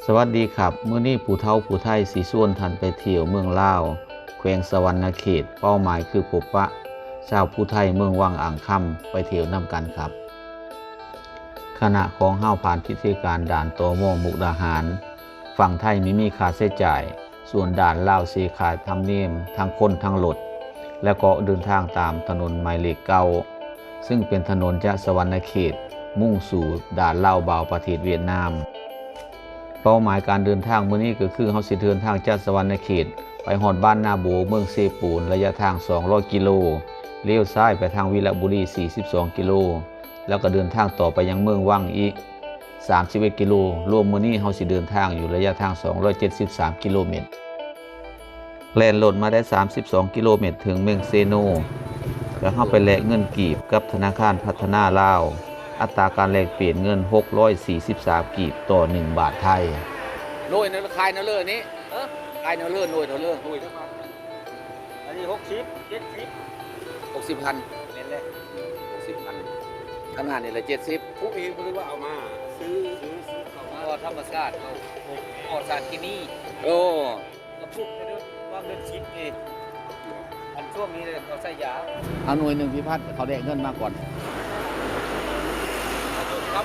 สวัสดีครับมื้อนี้ผู้เฒ่าผู้ไทยสิชวนท่านไปเที่ยวเมืองลาวแขวงสะหวรรณเขตเป้าหมายคือพบปะชาวผู้ไทยเมืองวังอ่างค่ำไปเที่ยวนํกันครับขณะของเฮาผ่านพิธีการด่านตม.มุกดาหารฝั่งไทยไม่มีค่าใช้จ่ายส่วนด่านลาวสิค่าธรรมเนียมทั้งคนทั้งรถและก็เดินทางตามถนนหมายเลขเก้าซึ่งเป็นถนนจากสะหวรรณเขตมุ่งสู่ด่านลาวบาวประเทศเวียดนามเป้าหมายการเดินทางมื้อนี้ก็คือเฮาสิเดินทางจากสะหวรรณเขตไปฮอดบ้านนาโบเมืองเซปูนระยะทาง200กิโลเลี้ยวซ้ายไปทางวิระบุรี42กิโลแล้วก็เดินทางต่อไปยังเมืองวังอีก31กิโลรวมมื้อนี้เฮาสิเดินทางอยู่ระยะทาง273กิโลเมตรแล่นรถมาได้32กิโลเมตรถึงเมืองเซโนแล้วเฮาไปแลกเงินกีบกับธนาคารพัฒนาลาวอัตราการแลกเปลี่ยนเงิน643กีบต่อ1บาทไทยโรยนะขายนะเลื่อนี้ขายนะเลื่อโรยนะเลื่อโรยทั้งวันอันนี้ 60,000 เน้นเลย 60,000ขนาดนี้ละ70 ผู้เองคือว่าเอามาซื้อเอามาก็ธรรมชาติเอาปลอดสารที่นี่โอ้กระปุกเนี่ยว่าเงินชิปเองอันช่วงนี้เลยเขาใส่ยาเอาหน่วยหนึ่งพิพัฒน์เขาแลกเงินมาก่อนครับ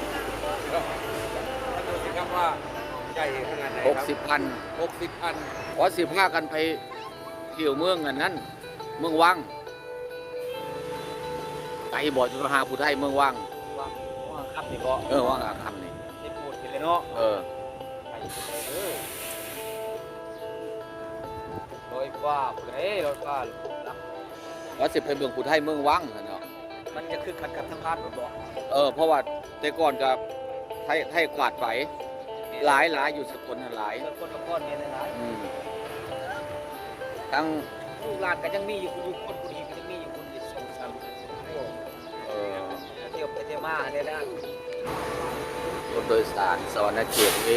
ถ้าดูสิครับว่าใหญ่ขนาดไหนครับ60,000ขอ15กันไปเที่ยวเมืองอันนั้นเมืองวังไกลบ่จะมาหาผู้ไทยเมืองวังครับนี่ก็วังอ่างคำนี่ที่พูดกันเลยเนาะร้อยกว่าร้อยกว่าว่าสิไปเมืองผู้ไทยเมืองวังเนาะมันจะคือขัดกับทางบ้านบ่เพราะว่าแต่ก่อนกับไทยกวาดไปหลายอยู่สกลหลายคนละก้อนเนี่ยหลายทั้งลูกหลานก็ยังมีอยู่คนผู้ดีก็ยังมีอยู่คนที่ส่งซ้ำเที่ยวไปเที่ยวมาได้แล้วรถโดยสารสวรรณเขตเว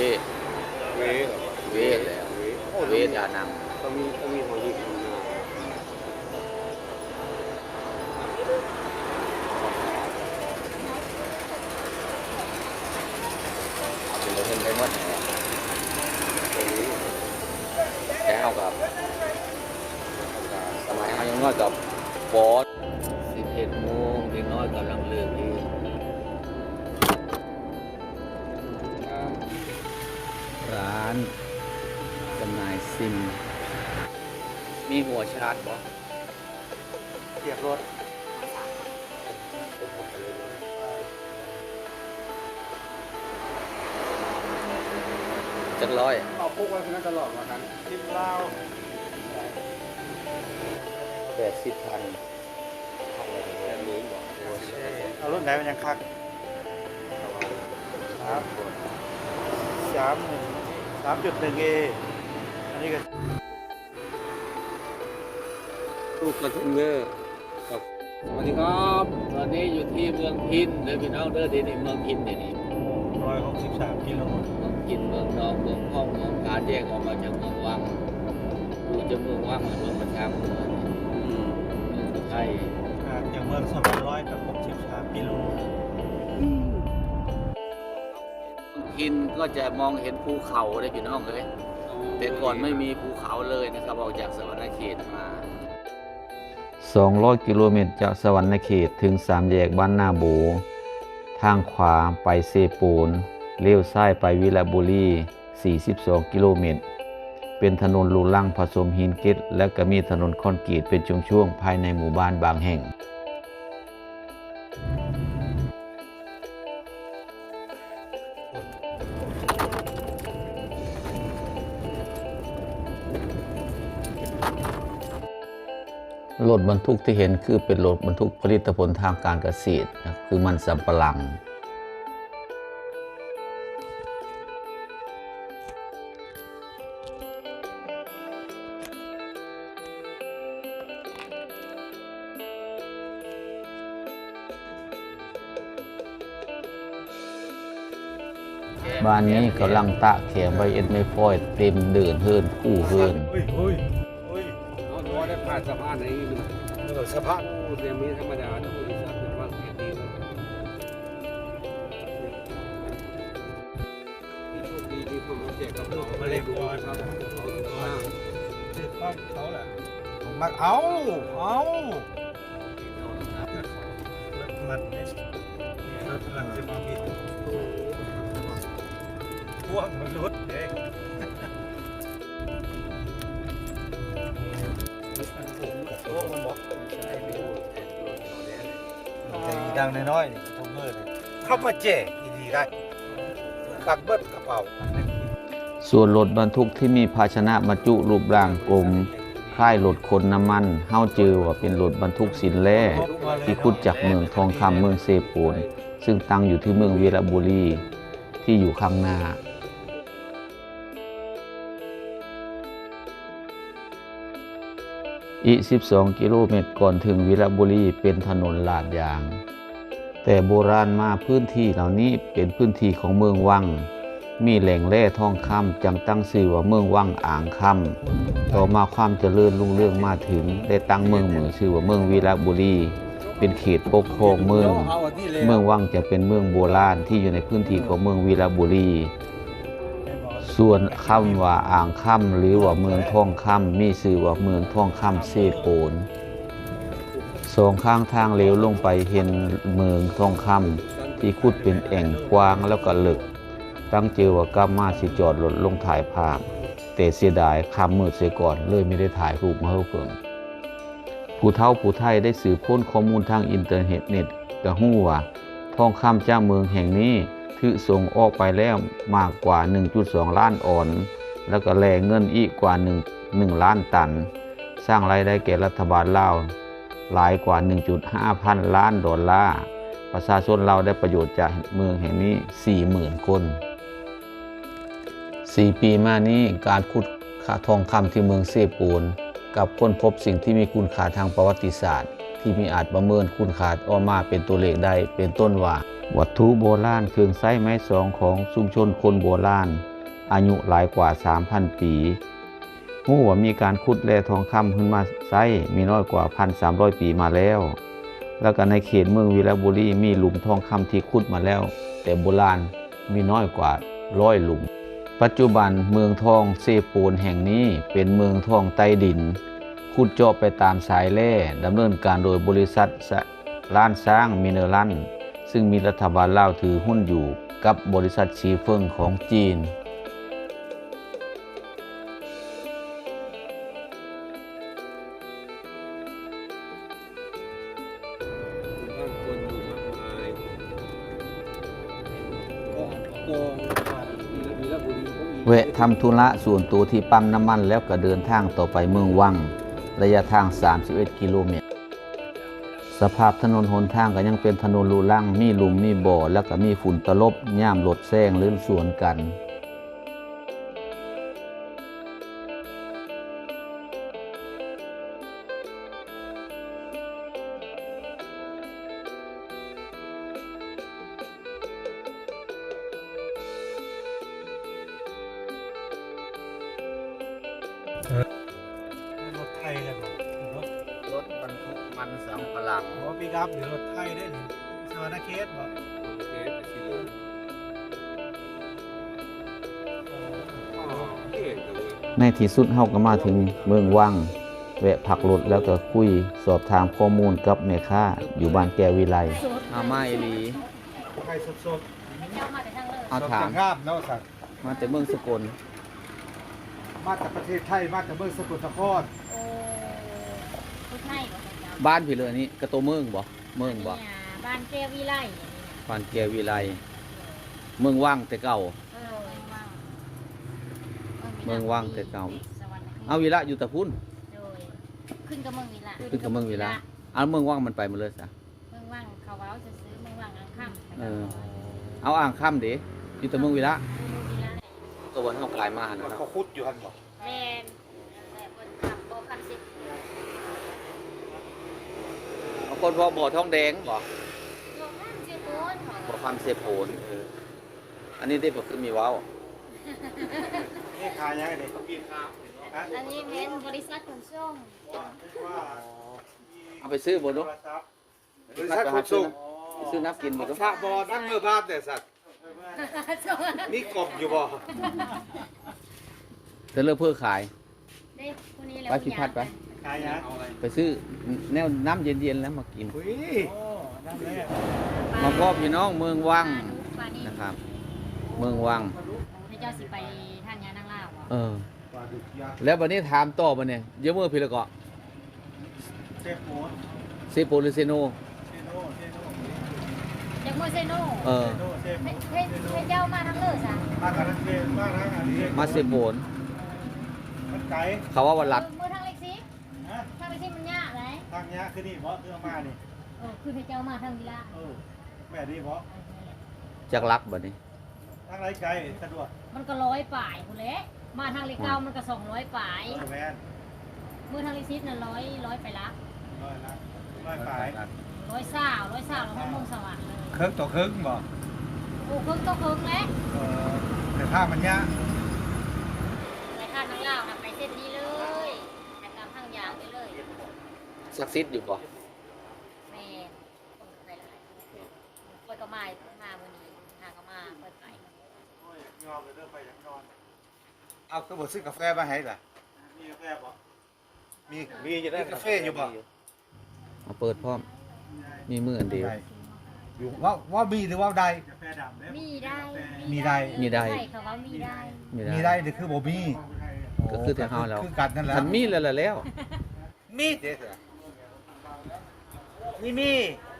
แล้วเวดานังต้องมีหัวหินเห็นได้หมดแล้วกับสมัยเขายังน้อยกับบอส11 โมงเด็กน้อยกำลังเลิกดีร้านจำหน่ายซิมมีหัวชาร์จบ่เทียบรถจักร้อยเอาพกไว้ที่นั่นตลอดว่ากันทิมลาว 80,000 เอารุ่นไหนมันยังคัก3.1A อันนี้ก็ตู้คอนเทนเนอร์ครับสวัสดีครับตอนนี้อยู่ที่เมืองพินเด้อพี่น้องเด้อที่นี่เมืองพินนี่ 163กิโลเมืองพินเมืองนอกเมืองห้องเมืองการแยกออกมาจากเมืองวังดูจะเมืองวังเมืองประชาเมืองไทยจากเมือง200กับ63กิโลพินก็จะมองเห็นภูเขาได้พี่น้องเลยแต่ก่อนไม่มีภูเขาเลยนะครับออกจากสะหวรรณเขตมา200กิโลเมตรจากสะหวรรณเขตถึง3แยกบ้านนาโบทางขวาไปเซปูนเลี้ยวซ้ายไปวิระบุรี42กิโลเมตรเป็นถนนลูลังผสมหินเกล็ดและก็มีถนนคอนกรีตเป็นช่วงๆภายในหมู่บ้านบางแห่งรถบรรทุกที่เห็นคือเป็นรถบรรทุกผลิตผลทางการเกษตรคือมันสำปะหลังบ้านนี้กำลังตะเขียงใบเอ็ดไม่ฟอยเต็มเดินเฮิรนคู่เฮิรนเอาตัวได้ผ่านสะพานไหนสะพานเรียนมีธรรมดาทุกบริษัทเป็นว่าเกียรติดีที่โชคดีมีมาแจกกับเรามาเล่นก่อนครับชื่อความเขาแหละผมมักเอารถมันเนี่ยรถมันจะมาบิดพวกมันรถเด็กพวกมันบอกใจดังน้อยๆนี่ผมเมื่อเลยเข้ามาแจกดีๆได้ตักเบิดกระเป๋าส่วนรถบรรทุกที่มีภาชนะบรรจุรูปร่างกลมคล้ายรถขนน้ำมันเฮาจือว่าเป็นรถบรรทุกสินแร่ที่ขุดจากเมืองทองคำเมืองเซปูนซึ่งตั้งอยู่ที่เมืองวีระบุรีที่อยู่ข้างหน้าอีก12 กิโลเมตรก่อนถึงวีระบุรีเป็นถนนลาดยาง แต่โบราณมาพื้นที่เหล่านี้เป็นพื้นที่ของเมืองวังมีแหล่งแร่ทองคำจังตั้งชื่อว่าเมืองวังอ่างคำต่อมาความเจริญรุ่งเรืองมาถึงได้ตั้งเมืองชื่อว่าเมืองวีระบุรีเป็นเขตปกครองเมืองวังจะเป็นเมืองโบราณที่อยู่ในพื้นที่ของเมืองวีระบุรีส่วนคำว่าอ่างคำหรือว่าเมืองทองคำมีชื่อว่าเมืองทองคำเซโปนสองข้างทางเลี้ยวลงไปเห็นเมืองทองคำที่ขุดเป็นแอ่งกว้างแล้วก็ลึกตั้งเจอว่ากำมาสิจอดรถลงถ่ายภาพแต่เสียดายคำมืดเสียก่อนเลยไม่ได้ถ่ายรูปมาให้เพิ่งผู้เฒ่าผู้ไทยได้สืบค้นข้อมูลทางอินเทอร์เน็ตก็ฮู้ว่าทองคำเจ้าเมืองแห่งนี้ถือส่งออกไปแล้วมากกว่า 1.2 ล้านออนแล้วก็แลกเงินอีกกว่า1 ล้านตันสร้างรายได้แก่รัฐบาลลาวหลายกว่า 1.5 พันล้านดอลลาร์ประชาชนเราได้ประโยชน์จากเมืองแห่งนี้ 40,000 คน4 ปีมานี้การขุดทองคำที่เมืองเซปูนกับค้นพบสิ่งที่มีคุณค่าทางประวัติศาสตร์ที่มีอาจประเมินคุณค่าออกมาเป็นตัวเลขได้เป็นต้นว่าวัตถุโบราณเครื่องใช้ไม้สองของชุมชนคนโบราณอายุหลายกว่า 3,000 ปีฮู้ว่ามีการขุดแร่ทองคำขึ้นมาใช้มีน้อยกว่า 1,300 ปีมาแล้วแล้วก็ในเขตเมืองวีระบุรีมีหลุมทองคำที่ขุดมาแล้วแต่โบราณมีน้อยกว่า100 หลุมปัจจุบันเมืองทองเซปูนแห่งนี้เป็นเมืองทองใต้ดินขุดเจาะไปตามสายแร่ดำเนินการโดยบริษัทล้านช้างมิเนอรัลซึ่งมีรัฐบาลลาวถือหุ้นอยู่กับบริษัทชีเฟิงของจีนบ้านคนอยู่มากมายกองวีระบุรีก็มีแวะทำธุระส่วนตัวที่ปั๊มน้ำมันแล้วก็เดินทางต่อไปเมืองวังระยะทาง 31 กิโลเมตรสภาพถนนหนทางก็ยังเป็นถนนลูลั่งมีหลุมมีบ่อแล้วก็มีฝุ่นตลบย่ามรถแซงหรือสวนกันรถไทยกันรถรถบรรทุกมันสำปะหลังรถปิกอัพหรือรถไทยได้หนิสวรรค์เขตบ่โอเคไปสิเลยเก่งจังเลยในที่สุดเฮาก็มาถึงเมืองวังแวะพักรถแล้วก็คุยสอบถามข้อมูลกับแม่ค้าอยู่บ้านแก้ววิไลอามาอีหลีไข่สดเอาๆถามงามเนาะสัตว์มาแต่เมืองสกลมาจากประเทศไทยมาจากเมืองสกลนครโอ้ผู้ไทยบ่ใช่เจ้าบ้านพี่เลยนี่กระโตเมืองบ่เมืองบ่เนี่ยบ้านแก้ววิไลเนี่ยบ้านแก้ววิไลเมืองวังแต่เก่า เมืองว่างแต่เก่าสวรรค์เอาวิระอยู่แต่พุ่นโดยขึ้นกับเมืองวิละขึ้นกับเมืองวิระเอาเมืองวังมันไปหมาเลยซะเมืองว่างเขาเว้าจะซื้อเมืองว่างอังค่ำเออ เอาอ่างค่ำดิอยู่แต่เมืองวิระเมืองวิละตัววันเฮากลายมาหั่นมันนะเขาคุดอยู่หันบ่แม่นแต่บนขับโบคันสิบเอาคนพอบ่อทองแดงบ่โบคันสิบโอนบ่คำเสพโผนอันนี้ได้บ่คือมีเว้านี่ขายยังไงเนี่ยกินข้าวอันนี้เป็นบริษัทขนส่งเอาไปซื้อบ่ดูบริษัทขนส่งไปซื้อน้ำกินบ่ดูพระบอนักเมื่อบ้านแต่สัตว์นี่กบอยู่บ่เธอเลิกเพื่อขายเด้คนนี้แหละไปพิพัฒน์ไปขายนะไปซื้อแนวน้ำเย็นๆแล้วมากินอุ้ยโอ้นั่นเลยมาพ่อพี่น้องเมืองวังปลานี่นะครับ เมืองวังให้เจ้าสิไปท่านยานั่งลาวบ่เออปลาดุกยักษ์แล้ววันนี้ถามต่อมาเนี่ยเยอะเมื่อพี่ละเกาะเซฟโมดเซโปหรือเซโนเซโนเซโนจากโมเซโนเออเซโนเซโนให้เจ้ามาทั้งเลยซะมาทางเซนมาทางอันนี้มาเซโปนมันไกลเขาว่าวันรัดมือทางเล็กสิฮะทางเล็กสิมันยากไหมทางเนี้ยคือนี่เพราะเรื่องมานี่คือให้เจ้ามาทางวิลาเออแม่นี่เพราะจากรักบัดนี้ทางไรไกลสะดวกมันก็100ป่ายพุ่นแหละมาทางเล็กเก้ามันก็200ป่ายแมนมือทางเล็กสิน่ะ100ไปละร้อยละร้อยปลาย 100แล้วมันมงสวรรค์เลยเครื่องต่อเครื่องบ่โอ้ครึ่งก็ครึ่งแล้วแต่ถ้ามันยากไปท่านนั่งลาวนะไปเส้นนี้เลยไปตามทางยาวไปเลยซักซิดอยู่ป่ะแม่คนไปหลายคนก็มาวันนี้หาก็มาเปิดไปยอมเลยเริ่มไปจากนอนเอาก็บอกซื้อกาแฟมาให้ล่ะมีกาแฟบ่มีจะได้กาแฟอยู่บ่มาเปิดพร้อม มีมืออันเดียวอยู่ว่ามีหรือว่าใดกาแฟดำมีได้มีได้มีได้ใช่ค่ะว่ามีได้มีได้หรือคือบ่มีก็คือแต่เฮาแล้วคือกันนั่นแหละฉันมีแล้วล่ะแล้วมีเด็ดนี่มี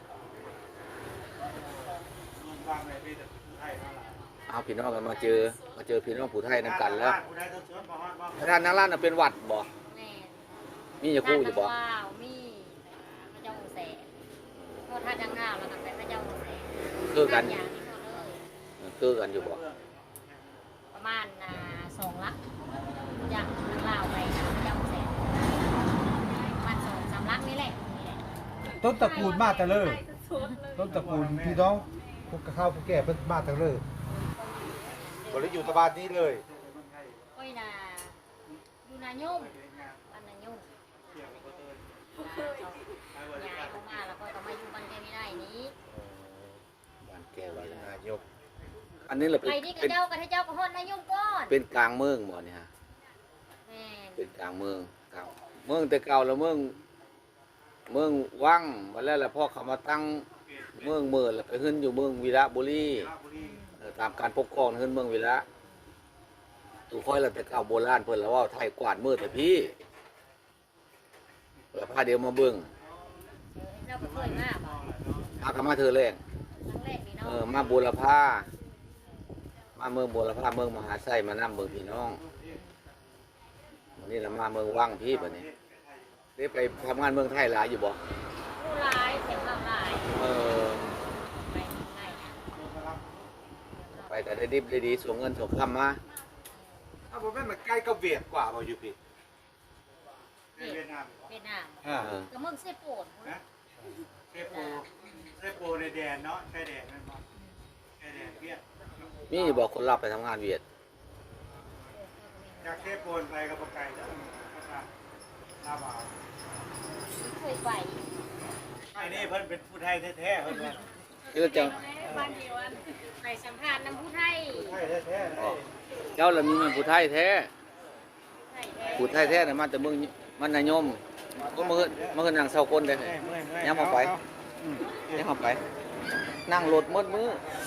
เอาพี่น้องกันมาเจอพี่น้องผู้ไทยนำกันแล้วพระธานนางล้านน่ะเป็นหวัดบ่แม่มีจะกู้อยู่บ่ว้าวมีพระเจ้าองค์แสนพอท่านยังงาวแล้วกันไปพระเจ้าองค์แสนคือกันอย่างนี้เขาเลยคือกันอยู่บ่ประมาณ2 ลักอย่างทางลาวไปนะพระเจ้าองค์แสนประมาณ2-3 ลักนี่แหละต้นตระกูลมาแต่เลยต้นตระกูลพี่น้องพวกข้าวพวกแก่เพิ่นมาแต่เลยบ่ได้อยู่ตะบานนี้เลยก้อยนาอยู่นายุ่มบ้านนายุ่มยายเขามาแล้วก็ต้องมาอยู่บ้านแกไม่ได้นี้บ้านแก้วนี่นายกอันนี้แหละเป็นไปนี่กับเจ้ากับให้เจ้ากับฮอดนายุ่มก่อนเป็นกลางเมืองบ่เนี่ยฮะแม่เป็นกลางเมืองเก่าเมืองแต่เก่าแล้วเมืองวังมาแล้วพ่อเขามาตั้งเมืองเมืองแล้วไปขึ้นอยู่เมืองวีระบุรีตามการปกครองขึ้นเมืองวีระตูค่อยแล้วแต่เก่าโบราณเพิ่นแล้วว่าไทยกวาดมือแต่พี่แล้วพาเดียวมาเบิ่งเจ้าก็เคยมาบ่พากนมาเธอแรงครั้งแรกนี่เนาะมาบูรพามาเมืองบูรพาเมืองมหาไส้มานํเมืองพี่น้องวันนี้เรามาเมืองวังพี่บัดนี้ได้ไปทำงานเมืองไทยหลายอยู่บ่ผู้ร้ายเสียงข้างหลายเออไปไหนไปแต่ได้ดิบได้ดีส่งเงินส่งคำมาถ้าบ่แม่นมันใกล้กับเวียดกว่าบ่อยู่พี่เวียดนามเออก็เมืองเซโปนนะเซโปในแดนเนาะชายแดนนั่นเนาะชายแดนเวียดมีอยู่บอกคนรับไปทำงานเวียดจากเซโปนไปกับปากไก่จ้ะนะครับลาบาวเคยไปไอ้นี่เพิ่นเป็นผู้ไทยแท้ๆเพิ่นว่าคือจังบ้านเดียวกันไปสัมภาษณ์น้ำผู้ไทยไทยแท้ๆเลยเจ้าละมีมันผู้ไทยแท้ไทยแท้ผู้ไทยแท้น่ะมาแต่เมืองมันนายมก็มาขึ้นนั่งเศร้าคนได้เมื่อยยังมาไปยังมาไป นั่งรถมืดมือ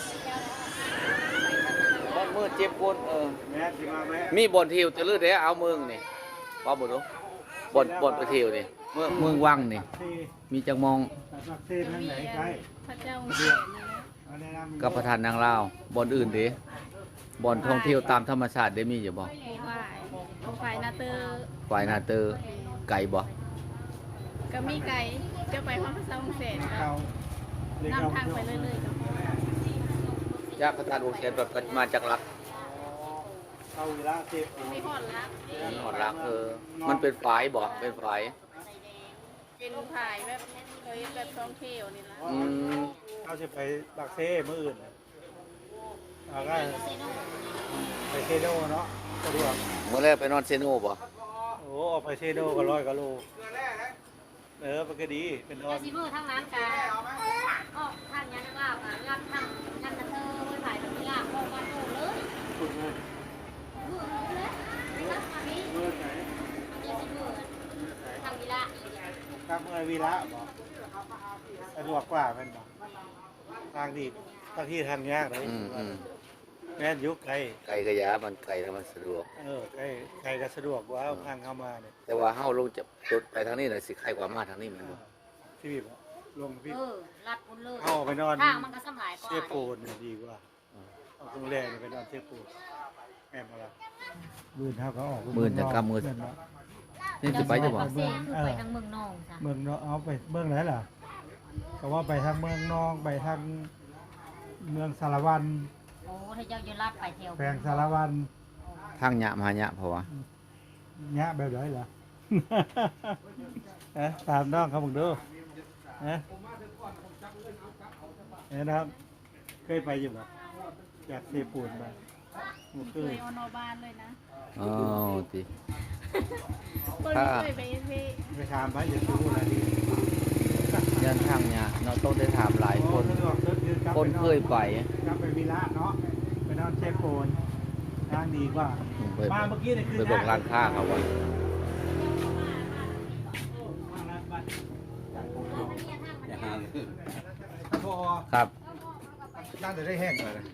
เจ็บคนแม่สิมาแม่มีบ่อนเที่ยวจะลือได้เอาเมืองนี่ว่าบ่รู้บ่อนไปเที่ยวนี่เมืองวังนี่ที่มีจังมองตักเส้นนั่นไหนใกล้พระเจ้าเอาแนะนำกับประธานนางลาวบ่อนอื่นเด้บ่อนท่องเที่ยวตามธรรมชาติได้มีอยู่บ่ฝ่ายนาเตอร์ฝ่ายนาเตอร์ไก่บ่ก็มีไก่จะไปห้องพระเจ้าองค์เสนเขาเรียกนำทางไปเรื่อยๆครับจากประธานวงเสนแบบมาจากรักเข้าเวลาเซโปมีหอดลักมีหอดรักมันเป็นฝายบ่เป็นฝายเป็นฝ่ายแบบเคยแบบท่องเที่ยวนี่ละอืมเขาจะไปบักเซ่มื้ออื่นเอาก็ไปเซโนเนาะสะดวกเมื่อแรกไปนอนเซโนบ่โอ้ออกไปเซโนก็100กว่าโลมันก็ดีเป็นนอนซิเมอร์ทั้งร้านกาออกท่านยันลาวค่ะรับทำยันกระเทอร์ถ่ายแบบนี้ลวีระบ่สะดวกกว่าเป็นบ่ทางดีบางที่ทางยากเลย แม่นอยุคไกลไก่กระยามันไก่แล้วมันสะดวกไกลก็สะดวกว่าทางเข้ามาเนี่ยแต่ว่าเฮาลงจะรถไปทางนี้น่ะสิใครกว่ามาทางนี้แมันบ่ที่พี่บอกลงพี่รัดพุ่นเลยเอาไปนอนทางมันก็สำหลายกว่าเชฟโปนเนี่ยดีกว่าเอาตรงแรกเนี่ยไปนอนเชฟโปนแม่นบ่ล่ะมื้อเฮาก็ออกมื้อจะกำมื้อนี่สิไปจะบ่ปักเซ่คือไปทางเมืองนองจ้ะเมืองเนาะเอาไปเมืองไหนล่ะก็ว่าไปทางเมืองนองไปทางเมืองสารวันโอ้ถ้าเจ้าอยู่ลัดไปแถวแขวงสารวันทางยะมาหยะเพราะว่ายะแบบไหนล่ะ ตามน้องเขาบอกดูนะครับเคยไปอยู่บ่จากเทปูนมาบ่เคเคยยเอานอบ้านเลยนะอ๋อติคนเคยไปพี่ไปถามพระอย่าพูดอะไรดียันทางยะเนาะต้องได้ถามหลายคนสะดวกยืกลับคนเคยไปกลับไปวิระเนาะไปนอนเชฟโปนทางดีกว่าไปมาเมื่อกี้เนี่ยคือไปบอกร้านค้าเขาว่าอย่าหาพอครับน่าจะได้แห้งเลย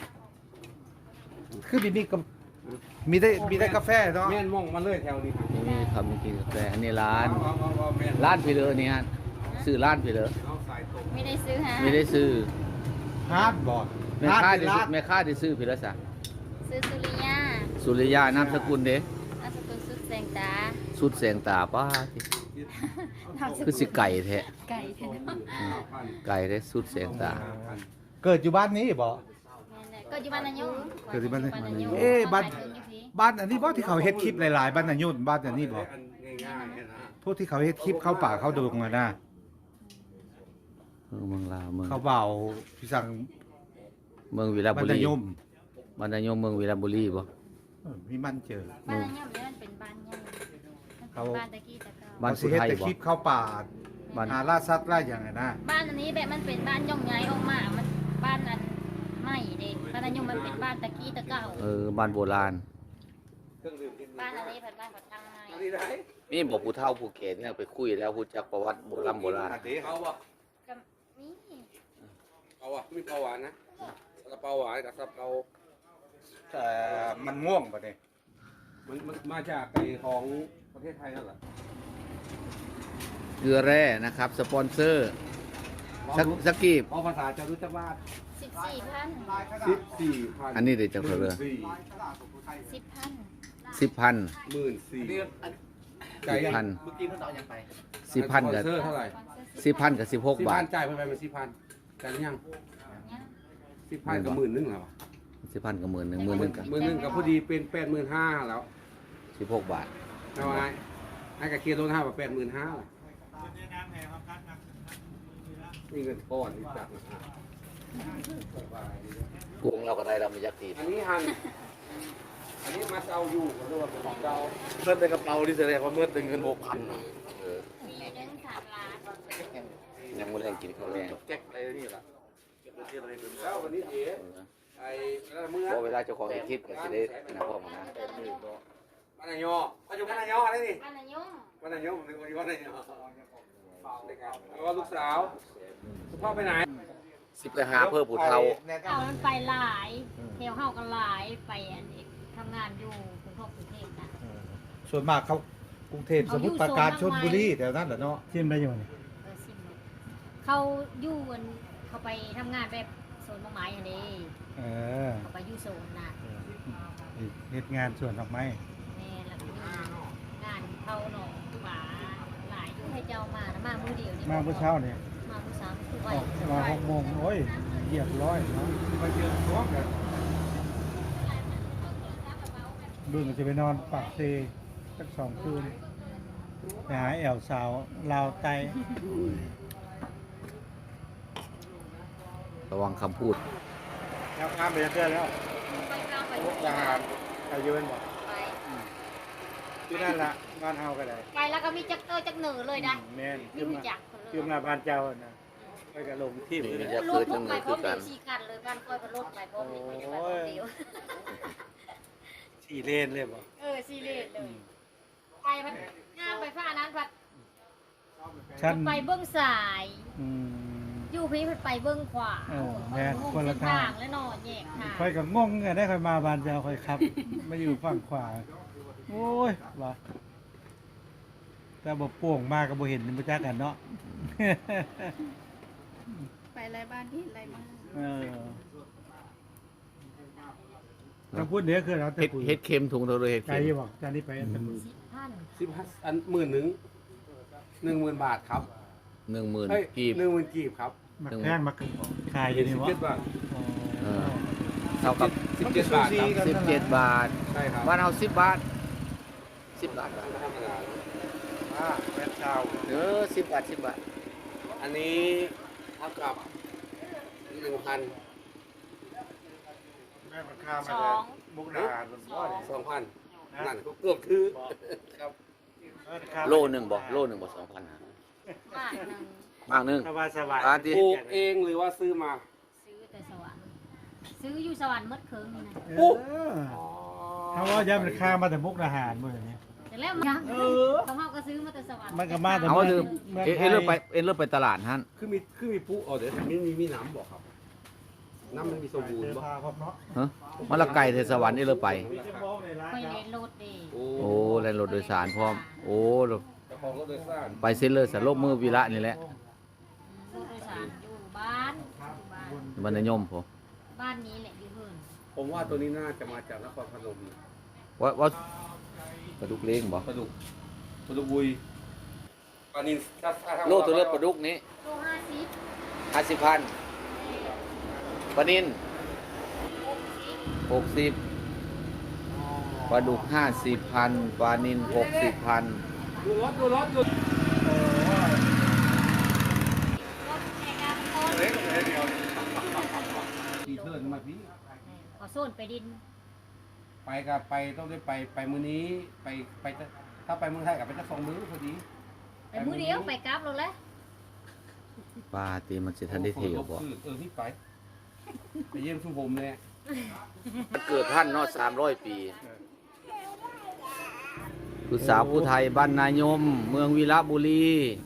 คือมีได้กาแฟเนาะแม่นมองมาเลยแถวนี้นี่ครับมีกินกาแฟอันนี้ร้านเอาแม่นร้านพี่เลอนี่ฮะซื้อร้านพี่เลอเอาสายตรงไม่ได้ซื้อฮะไม่ได้ซื้อฮาร์ดบอร์ดแม่ค้าได้ซื้อแม่ค้าได้ซื้อพี่เลอซะซื้อสุริยาสุริยานามสกุลเด้นามสกุลสุดแสงตาสุดแสงตาป้าที่นามสคือสิไก่แท้ไก่เถอะนะไก่เด้สุดแสงตาเกิดอยู่บ้านนี้บ่ก็อยู่บ้านนายงเกิดที่บ้านนายงเอ๊ะบ้านขยอยู่พี่บ้านอันนี้บ่ที่เขาเฮ็ดคลิปหลายๆบ้านนายุนบ้านอันนี้บ่ง่ายๆนะพวกที่เขาเฮ็ดคลิปเข้าป่าเข้าดงอะนะเมืองลาวเมืองเขาเบาพี่สั่งเมืองวีระบ้าบุนนารียมบ้านนายงเมืองวีระบุรีบ่มีมันเจอบ้านนายงเนี่ยมันเป็นบ้านใหญ่มันเป็นบ้านตะกี้ตะเกาบ้านเขาสุสิเฮ็ดไทยแต่บ่คลิปเข้าป่าบ้านหาล่าสัตว์ล่าอย่างไงนะบ้านอันนี้แบบมันเป็นบ้านย่องใหญ่ออกมามันบ้านอันไม่เด็บ้านนายงมันเป็นบ้านตะกี้ตะเกาบ้านโบราณบ้านอันนี้เป็นบ้านผัดตังไงอันนี้ได้นี่บอกผู้เฒ่าผู้แก่เนี่ยไปคุยแล้วรู้จักประวัติโบราณโบราณเอาวะกับนี่เอาวะมีเปล่าหวานนะซาเปาหวานกับซาเปาแต่มันง่วงป่ะเนี่ยมันมาจากไอ้ของประเทศไทยนั่นแหละเกลือแร่นะครับ สปอนเซอร์สักกีบเอาภาษาจะรู้จักว่า 14,000 14,000 อันนี้เดี๋ยวจะเกลือ 10,000 10,000 14,000 10,000 เมื่อกี้เพิ่งเอาอย่างไป 10,000กับเซอร์เท่าไหร่ 10,000กับ16 บาทจ่ายไปเป็น10,000จ่ายหรือยัง10,000กับ10,000เหรอ 10,000กับ10,000 10,000กับ 10,000กับพอดีเป็น85,000แล้ว 16 บาทเอาไงให้กับเคียร์โลห้าแบบ85,000ล่ะนี่เงินก้อนนี่จัดนะกวงเราก็ได้เราไม่ยักตีอันนี้หันอันนี้มาเซาอยู่ก็เรียกว่าเป็นของเราเมื่อในกระเป๋าที่แสดงว่าเมื่อเป็นเงิน 6,000 มีเงิน3 ล้านยังไม่ได้กินข้าวแรงแก๊กอะไรนี่ล่ะแล้ววันนี้เอ๋ไอ้แล้วเมื่อเพราะเวลาเจ้าของเฮ็ดคลิปก็สิได้นะพ่อมานะบ้านนายอปัจจุบันนายออะไรนี่บ้านนายงบ้านนายอผมนึกว่าบ้านนายอแล้วก็ลูกสาวพ่อไปไหนสิไปหาเพื่อผู้เฒ่าเอามันไปหลายแถวเฮาก็หลายไปอันนี้ทำงานอยู่กรุงเทพนะส่วนมากเขากรุงเทพสมุทรปราการชลบุรีแถวนั้นแหละเนาะชิมได้อยู่นี่สิบเมตรเขาอยู่อันเขาไปทำงานแบบโซนมะไม้อันนี้เออเขาไปอยู่โซนน่ะเฮ็ดงานสวนดอกไม้แม่แล้วก็มีงานเขาหนองป่าหลายอยู่ให้เจ้ามานะมามื้อเดียวนี่มาเมื่อเช้าเนี่ยมามื้อสามคืออไว้อกมา6 โมงโอ้ยเหยียบร้อยเนาะไปเจอท้องกันเบิ่งจะไปนอนปากเซสัก2 คืนไปหาแอวสาวลาวไตระวังคำพูดแล้วข้ามไปเรื่อยแล้วไปข้ามไปมุกดาหารไปยืนบ่ไปที่นั่นล่ะบ้านเฮาก็ได้ไปแล้วก็มีจักเตอร์จักเหนือเลยนะแม่นมีรู้จักคนเลยคือมาบ้านเจ้าน่ะไปก็ลงที่ไปเลยรถพกไปพร้อมเดียวสี่คันเลยบ้านค่อยก็รถไปพร้อมเดียวไม่ได้ไปพร้อมเดียว 4 เลนเลยบ่ 4 เลนเลยไปพัดงานไปฟ้านั้นพัดชั้นไปเบื้องซ้ายอืมอยู่พี่เพิ่นไปเบื้องขวาแม่นคนละทางแล้วเนาะแยกทางค่อยก็งงไงได้ค่อยมาบ้านเจ้าค่อยครับ มาอยู่ฝั่งขวาโอ้ยว่าแต่บ่โป่งมาก็บ่เห็นบ่จักกันเนาะไปไรบ้านที่ไรมาเออถ้าพูดเดี๋ยวคือเราแต่เฮ็ดปุ๋ยเฮ็ดเค็มถุงเท่าไรเฮ็ดไกลเค็มบอกจานนี้ไปอันตะมือ 15 อัน10,000 บาทครับ 10,000 เฮ้ยกีบ 10,000 กีบครับมักแพงมักขายอยู่นี่วะ 17 บาทอ๋อเออ เท่ากับ 17 บาทครับ 17 บาทใช่ครับบ้านเฮา10 บาท 10 บาทธรรมดาแม่ชาว 10 บาท 10 บาทอันนี้เท่ากับ 1,000 แม่มันข้ามมาจากมุกดาหารบนบ่อนี่ 2,000 นั่นก็เกือบคือครับโลหนึงบ่2,000นะบาทหนึงบางหนึงสบายสบายที่ปลูกเองหรือว่าซื้อมาซื้อแต่สวรรค์ซื้ออยู่สวรรค์หมดเคิงนี่นะเออถ้าว่าย้ำมันข้ามมาแต่มุกดาหารมื้อนี้แต่แล้วมันเขาเฮาก็ซื้อมาแต่สวรรค์มันก็มาแต่เอาว่าลืมเมืองเอ็นเลิกไปตลาดหั่นคือมีปุ๊เดี๋ยวมีน้ำบอกครับ น้ำมันมีสมบูรณ์เสื้อบ่ผ้าพร้อมเนาะฮะมันละไก่เทศวรรค์เอ็นเลิกไปมีจะมองในร้านไปคเลรับนโลดดีโอ้แล่นรถโดยสารพร้อม โอ้เจ้าของรถโดยสารไปเซ็นเลยสลบมือวีระนี่แหละรถโดยสารอยู่บ้านอยู่บ้านบรรยมผมบ้านนี้แหละอยู่เพิ่นผมว่าตัวนี้น่าจะมาจากนครพนมนะว่าปลาดุกเล้งบ่ปลาดุกบุยปลานินถ้าทำโลตัวเลือดปลาดุกนี้โล50 50,000ปลานิน60ปลาดุก50,000ปลานิน60,000 ดูรถรถในการโอนตีเทิร์นมาพี่ขอโซนไปดินไปกับไปต้องได้ไปมื้อนี้ไปถ้าไปเมืองไทยกับไปจะ2 มื้อพอดีไปมื้อเดียวไปกลับแล้วแหละปลาตีมันสิทันได้เที่ยวบ่พี่ไปเยี่ยมชุมผมเลยเกิดท่านเนาะ300 ปีผู้สาวผู้ไทยบ้านนายม เมืองวีระบุรี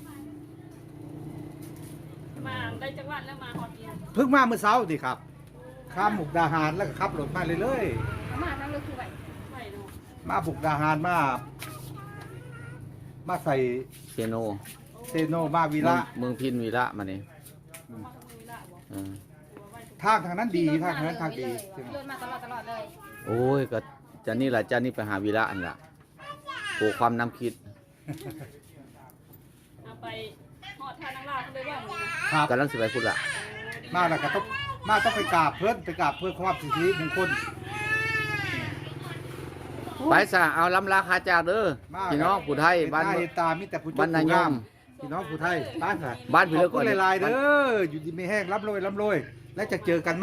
มาได้จังหวัดแล้วมาฮอดเดียวเพิ่งมาเมื่อเช้าดิครับ ข้ามมุกดาหารแล้วก็ขับรถมาเลยมานั่งเลยคือไหวดูมาบุกดาหารมาใส่เซโนเซโนมาวีระเมืองพินวีระมานี่เออทางนั้นดีทางนั้นทางดีรถมาตลอดเลยโอ้ยก็จะนี่ล่ะจะนี่ไปหาวีระอันล่ะปลูกความน้ำคิดเอาไปฮอดทางนางลาวเขาเลยว่ามึงครับกำลังสิไปพุ่นล่ะมาแล้วก็ต้องไปกราบเพื่อนไปกราบเพื่อความสิทธิมงคลไปซะเอาลำลาคาจากเด้อมาพี่น้องผู้ไทยบ้านเห็ตามีแต่ผู้บ้านนายมพี่น้องผู้ไทยบ้านค่ะบ้านพี่เลิกขก่ออบ นคุณหลายๆเด้ออยู่ดีไม่แห้งร่ำรวยและจะเจอกันไหม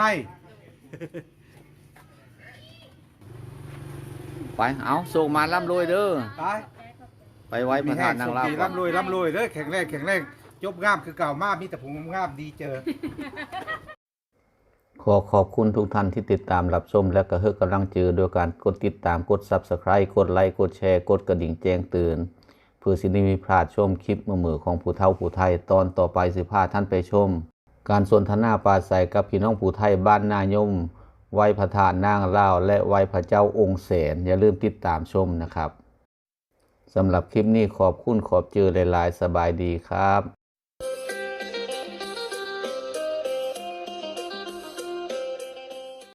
ไปเอาส่งมาร่ำรวยเด้อไปไปไว้ประธานนางลาวมีแห้งส่งดีร่ำรวยเด้อแข็งแรงจบงามคือเก่ามากมีแต่ผงงามดีเจอขอขอบคุณทุกท่านที่ติดตามรับชมและก็ให้กำลังใจโดยการกดติดตามกด Subscribe กดไลค์กดแชร์กดกระดิ่งแจ้งเตือนเพื่อสิได้มีพลาดชมคลิปมือของผู้เฒ่าผู้ไทยตอนต่อไปสิพาท่านไปชม การสนทนาปราศัยกับพี่น้องผู้ไทยบ้านนายมไหว้พระธาตุนางลาวและไหว้พระเจ้าองค์แสนอย่าลืมติดตามชมนะครับสำหรับคลิปนี้ขอบคุณขอบเจอหลายๆสบายดีครับ